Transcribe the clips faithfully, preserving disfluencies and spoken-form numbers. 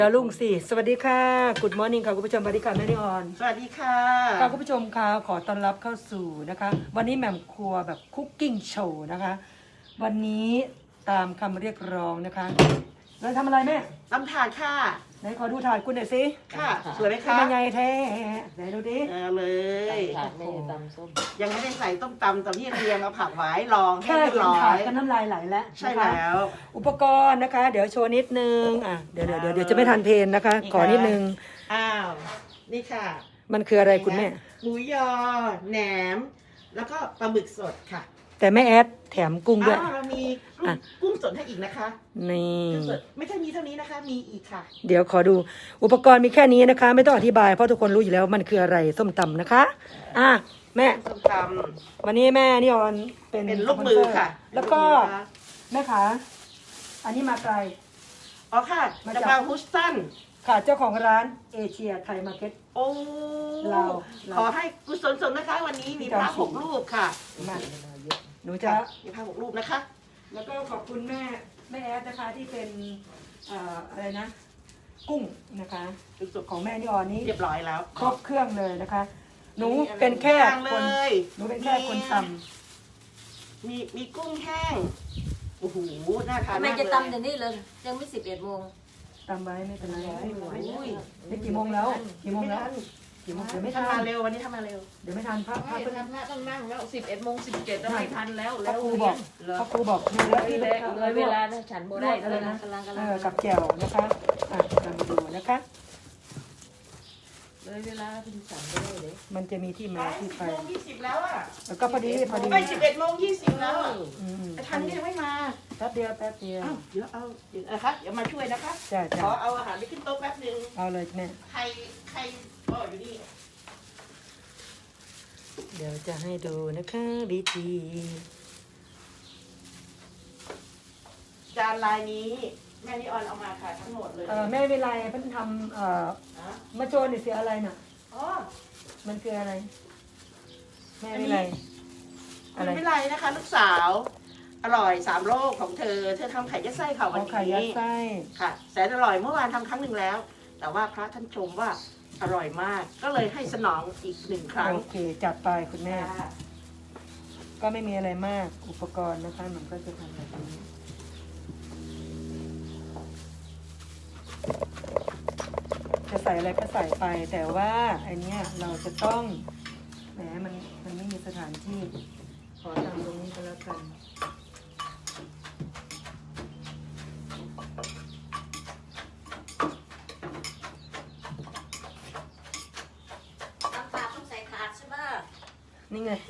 เดี๋ยวลุงสิสวัสดีค่ะ Good Morning ค่ะคุณผู้ชมสวัสดีค่ะแม่นิออนสวัสดีค่ะค่ะคุณผู้ชมค่ะขอต้อนรับเข้าสู่นะคะวันนี้แหม่มครัวแบบคุกกิ้งโชว์นะคะวันนี้ตามคำเรียกร้องนะคะเราทำอะไรแม่ตำถาดค่ะไหนขอดูถาดคุณหน่อยสิค่ะสวยไหมคะเป็นไงแท้ไหนดูดิเอาเลยถาดไม่ได้ตำส้มยังไม่ได้ใส่ต้มตำแต่พี่เรียงเอาผักไว้รองให้แค่เรียบเห็นร้อถาดยก็น้ำลายไหลแล้วใช่แล้วอุปกรณ์นะคะ เดี๋ยวโชว์นิดนึงอ่ะเดี๋ยวเดี๋ยวเดี๋ยวเดี๋ยวจะไม่ทันเพลนนะคะ ขอนิดนึงอ้าวนี่ค่ะมันคืออะไรคุณแม่หมูยอแหนมแล้วก็ปลาหมึกสดค่ะแต่แม่แอดแถมกุ้งด้วยอ้าวเรามีกุ้งสดให้อีกนะคะนี่กุ้งสดไม่ใช่มีเท่านี้นะคะมีอีกค่ะเดี๋ยวขอดูอุปกรณ์มีแค่นี้นะคะ ไม่ต้องอธิบายเพราะทุกคนรู้อยู่แล้วมันคืออะไรส้มตำนะคะอ่ะแม่ส้มตำวันนี้แม่นิออนเป็นเป็นลูกมือค่ะแล้วก็แม่ขาอันนี้มาไกลอ๋อค่ะจากบางฮุสตันค่ะเจ้าของร้านเอเชียไทยมาร์เก็ตโอ้เราขอให้กุศลสมนะคะวันนี้มีพระหกรูปค่ะมาหนูจะมีพระหกรูปนะคะแล้วก็ขอบคุณแม่แม่แอดนะคะที่เป็นเอ่ออะไรนะ กุ้งนะคะสุดของแม่นิออนนี้เรียบร้อยแล้วครบเครื่องเลยนะคะ หนูเป็นแค่คนหนูเป็นแค่คนทำมีมีกุ้งแห้งโอ้โหน่าทานทำไมมากเลยจะตำเดี๋ยวนี้เลยยังไม่สิบเอ็ดโมงตำไว้ไม่เป็นไรอุ้ยนี่กี่โมงแล้วกี่โมงแล้วกี่โมงเดี๋ยวไม่ทันมาเร็ววันนี้ทำมาเร็วเดี๋ยวไม่ทันพระพระไม่ทันพระต้องนั่งแล้วสิบเอ็ดโมงสิบเจ็ดแล้วไม่ทันแล้วพแล้ระวครูบอกพระครูบอกเลยพี่เลยเลยเวลานะฉันโบได้เลยนะกำลังกำลังกับแจ่วนะคะอ่ะเรามาดูนะคะเลยเวลาเป็นฉันโบได้เลยมันจะมีที่มาที่ไปโมงยี่สิบแล้วอ่ะแล้วก็พอดีพอดีไปสิบเอ็ดโมงยี่สิบแล้วแต่ทันก็ยังไม่มาแป๊บเดียวแป๊บเดียวเดี๋ยวเอาเดี๋ยวนะคะเดี๋ยวมาช่วยนะคะจ้าจ้าขอเอาอาหารไปขึ้นโต๊ะแป๊บนึงเอาเลยแม่ใครใครอ๋ออยู่นี่เดี๋ยวจะให้ดูนะคะวิธีจานลายนี้แม่นิออนเอามาค่ะทั้งหมดเลยเออแม่เวลาเพิ่งทำเอ่อมาโจนนี่เสียอะไรน่ะอ๋อมันคืออะไรแม่เวลาอะไรไม่ไรนะคะลูกสาวอร่อยสามโลกของเธอเธอทำไข่ยัดไส้ค่ะวันนี้ไข่ยัดไส้ค่ะแสนอร่อยเมื่อวานทำครั้งหนึ่งแล้ว แต่ว่าพระท่านชมว่าอร่อยมากก็เลยให้สนองอีกหนึ่งครั้งโอเคจัดไปคุณแม่ก็ไม่มีอะไรมากอุปกรณ์นะคะมันก็จะทำแบบนี้จะใส่อะไรก็ใส่ไปแต่ว่าอันเนี้ยเราจะต้องแหมมันมันไม่มีสถานที่ขอทำตรงนี้ก็แล้วกันตำปากต้องใส่ถาดใช่ไหมนี่ไง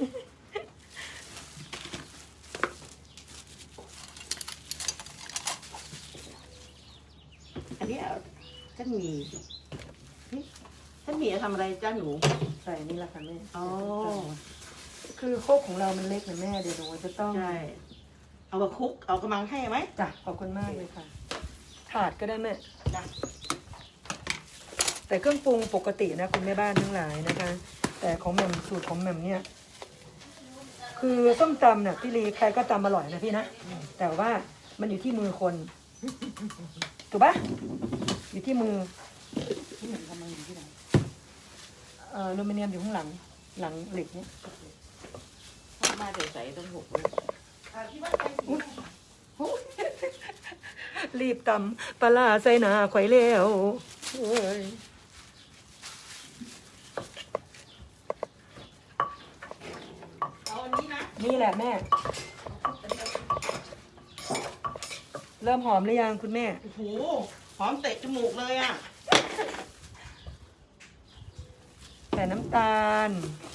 อันนี้ท่านมีท่านมีจะทำอะไรจ้าหนูใส่นี่แหละค่ะแม่อ๋อคือโคกของเรามันเล็กนะแม่เดี๋ยวหนูจะต้องใช่เอามาคุกเอากระมังให้ไหมจ้ะขอบคุณมากเลยค่ะถาดก็ได้แม่จ้ะแต่เครื่องปรุงปกตินะคุณแม่บ้านทั้งหลายนะคะแต่ของแหม่มสูตรของแหม่มเนี่ยคือส้มตำเนี่ยพี่ลีใครก็ตำอร่อยนะพี่นะแต่ว่ามันอยู่ที่มือคนถูกปะอยู่ที่มือที่เหมือนทำมืออยู่ที่ไหนเอ่ออลูมิเนียมอยู่ข้างหลังหลังเหล็กเนี่ยมาใส่ต้องหกรีบตำปลาใส่หนาไข่เลี้ยวเอาอันนี้นะนี่แหละแม่เริ่มหอมหรือยังคุณแม่โอ้โหหอมเตะจมูกเลยอ่ะใส่น้ำตาล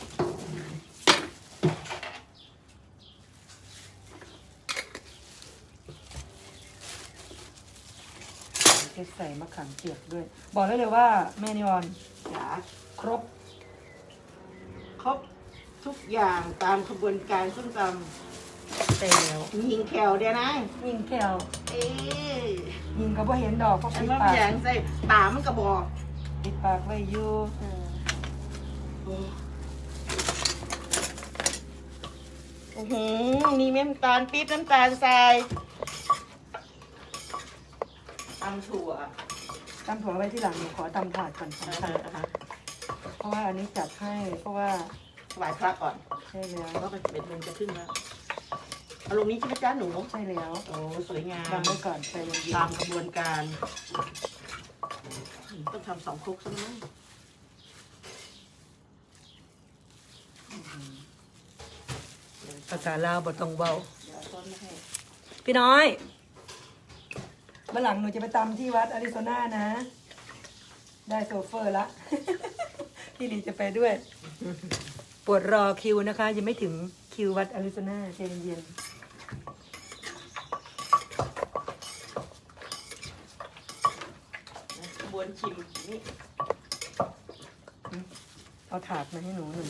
จะใส่มะขามเปียกด้วยบอกได้เลยว่าแม่นิออนจ๋าครบครบทุกอย่างตามขบวนการส้มตำเต็มแล้วยิงแขวเดียวนะยิงแขวเอ๊ยิงก็บ่เห็นดอกเพราะปิดปากอย่างใส่ตามันกระบอกปิดปากไว้อยู่อือหือมีน้ำตาลปี๊บน้ำตาลทรายตำถั่วตำถั่วไว้ที่หลังหนูขอตำถาดก่อนสองถาดนะคะเพราะว่าอันนี้จัดให้เพราะว่าถวายพระก่อนใช่แล้วเพราะว่าเป็นโมงจะขึ้นแล้วเอาลงนี้ใช่ไหมจ๊ะหนูใช่แล้วโอ้สวยงามทำไว้ก่อนใจเย็นตามกระบวนการต้องทำสองครกซะมั้งๆภาษาลาวบทตรงเบาเดี๋ยวต้นมาให้พี่น้อยเมื่อหลังหนูจะไปตำที่วัดอาริโซนานะ ได้โซเฟอร์ละ พี่ลีจะไปด้วย ปวดรอคิวนะคะ ยังไม่ถึงคิววัดอาริโซนาใจเย็นกระบวนชิมนี่ๆเอาถาดมาให้หนูหน่อย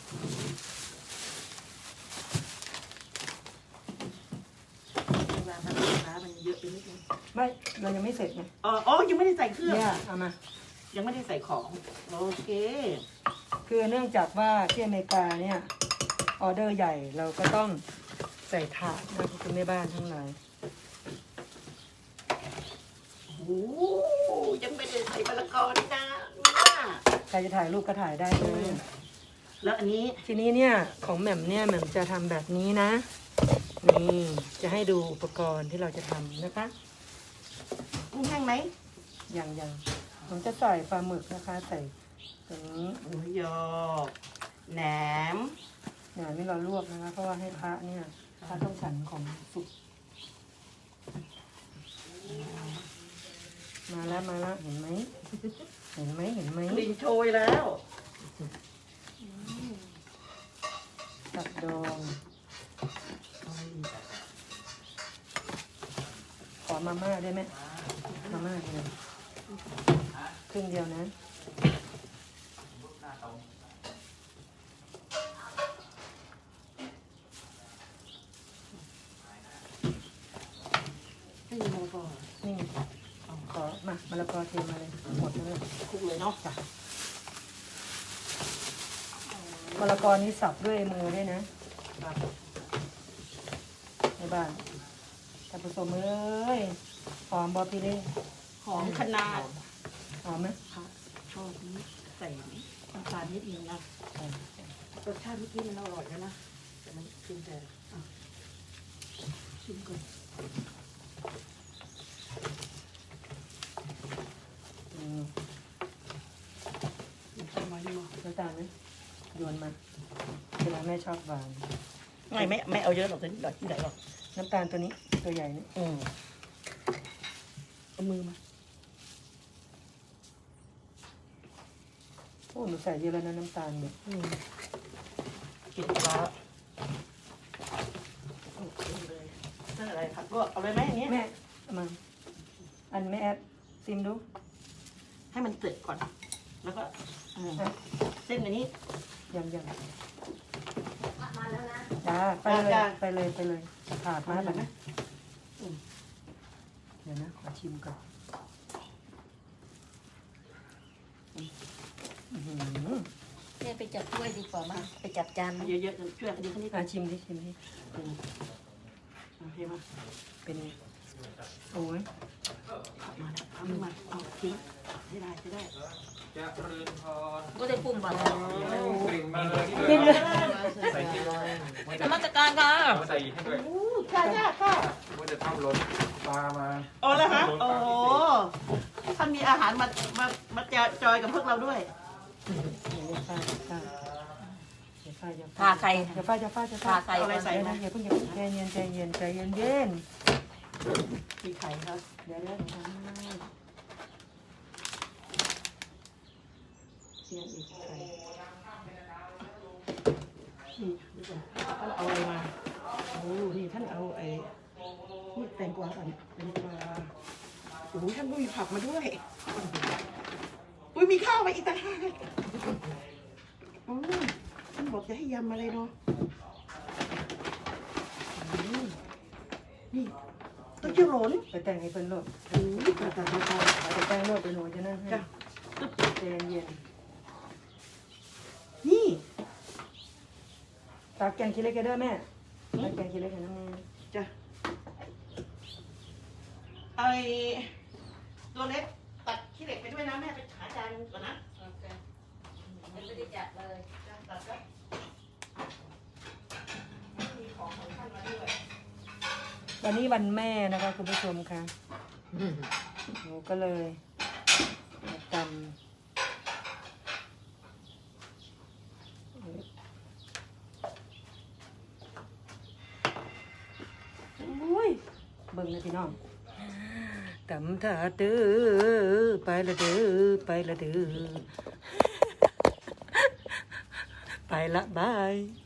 เวลาทำสินค้ามันเยอะไปนิดนึงไม่เรายังไม่เสร็จไงอ๋ออ๋อยังไม่ได้ใส่เครื่องเนี่ยเอามายังไม่ได้ใส่ของโอเคคือเนื่องจากว่าที่อเมริกาเนี่ยออเดอร์ใหญ่เราก็ต้องใส่ถาดนะคุณแม่บ้านทั้งหลายโอ้โหยังไม่ได้ใส่มะละกอนี่นะเนี่ยใครจะถ่ายรูปก็ถ่ายได้เลยแล้วอันนี้ทีนี้เนี่ยของแหม่มเนี่ยแหม่มจะทำแบบนี้นะ นี่จะให้ดูอุปกรณ์ที่เราจะทำนะคะกุ้งแห้งไหมอย่างอย่างผมจะใส่ปลาหมึกนะคะ ใส่ถึงหมูยอแหนมเนี่ยนี่เราลวกนะคะ เพราะว่าให้พระเนี่ยพระต้องฉันของสุกมาแล้วมาแล้วเห็นไหมเห็นไหมเห็นไหมกลิ่นโชยแล้วตับดองขอมาม่าได้ไหมมาม่าเดียวครึ่งเดียวนะไม่มีมะละกอนี่ขอมามะละกอเทมาเลยหมดเลยคลุกเลยเนาะจ้ะมะละกอนี้สับด้วยมือด้วยนะในบ้านท่านผู้ชมเอ้ยหอมบอพี่เล่หอมขนาดหอมไหมค่ะชอบนี้ใส่น้ำตาลนิดนึงนะรสชาติเมื่อกี้มันอร่อยแล้วนะแต่มันกินแต่อ่ะชิมก่อนอืมชิมไว้ดีมั้ยน้ำตาลไหมโยนมาเวลาแม่ชอบหวานไม่ไม่ไม่เอาเยอะหรอกนิดหน่อยที่ไหนหรอกน้ำตาลตัวนี้ตัวใหญ่นี่อืมเอามือมาโอ้หนูใส่เยอะแล้วนะน้ำตาลเนี่ยอืมกินปลาโอเคเลยนั่นอะไรผักลวกเอาเลยไหมอย่างเงี้ยแม่เอามาอันแม่แอดซิมดูให้มันเสร็จก่อน แล้วก็อืมเส้นอันนี้ยังยังมาแล้วนะจ้าไปเลยจ้าไปเลยไปเลยถาดมาเอาแบบไหมนะเดี๋ยวนะขอชิมก่อนอื้อหือแม่ไปจับถ้วยดีกว่ามาไปจับจานเอามาเยอะๆช่วยกันดีแค่นี้อ่ะชิมดิชิมดิอืมโอเคมาเป็นไงโอ้ยเอามาแล้วเอามาเอาทิ้งให้ได้จะได้จะเจริญพรก็ได้ปรุงบ่อยกลิ่นมาเลยที่กินเลเลย ยใส่ที่เลยนมัสการค่ะเอาใส่ให้ด้วยอู้ค่ะค่ะค่ะว่าจะทำล้นปลามาโอ้แล้วฮะโอ้โหท่านมีอาหารมามามาจอยจอยกับพวกเราด้วยเดี๋ยวฟาดฟาดเดี๋ยวฟาดเดี๋ยวฟาดพาใครเดี๋ยวฟาดเดี๋ยวฟาดเดี๋ยวฟาพาดใครเอาอะไรใส่เดี๋ยวนะอย่าเพิ่งอย่าเพิ่งใจเย็นใจเย็นใจเย็นเย็นมีไข่ครับเดี๋ยวเดี๋ยวทำให้เชียร์อีกไข่นี่ดูก่อนท่านเอาอะไรมาโอ้นี่ท่านเอาไอ้นี่แตงกวาก่อนแตงกวาโอ้โหท่านก็มีผักมาด้วยอุ้ยมีข้าวมาอีกต่างหากอ๋อท่านบอกจะให้ยำอะไรเนาะอืมนี่ต้นเจียวหลนไปแต่งให้เพิ่นโลดโอ้ยตายตายตายตายไปแต่งโลดไปหนูจะนั่งให้จ้ะใจเย็นนี่ตักแกงขี้เล็กให้ด้วยแม่ตักแกงขี้เล็กให้น้ำแม่จ้ะไอตัวเล็กตัดขี้ขี้เหล็กไปด้วยนะแม่ไปหาจานก่อนนะโอเคยังไม่ได้จัดเลยจานตัดก็มีของของท่านมาด้วยวันนี้วันแม่นะคะคุณผู้ชมค่ะหนูก็เลยมาตำโอ้ยเบิ่งเลยพี่น้องตำถาเด้อไปละเด้อไปละเด้อไปละบาย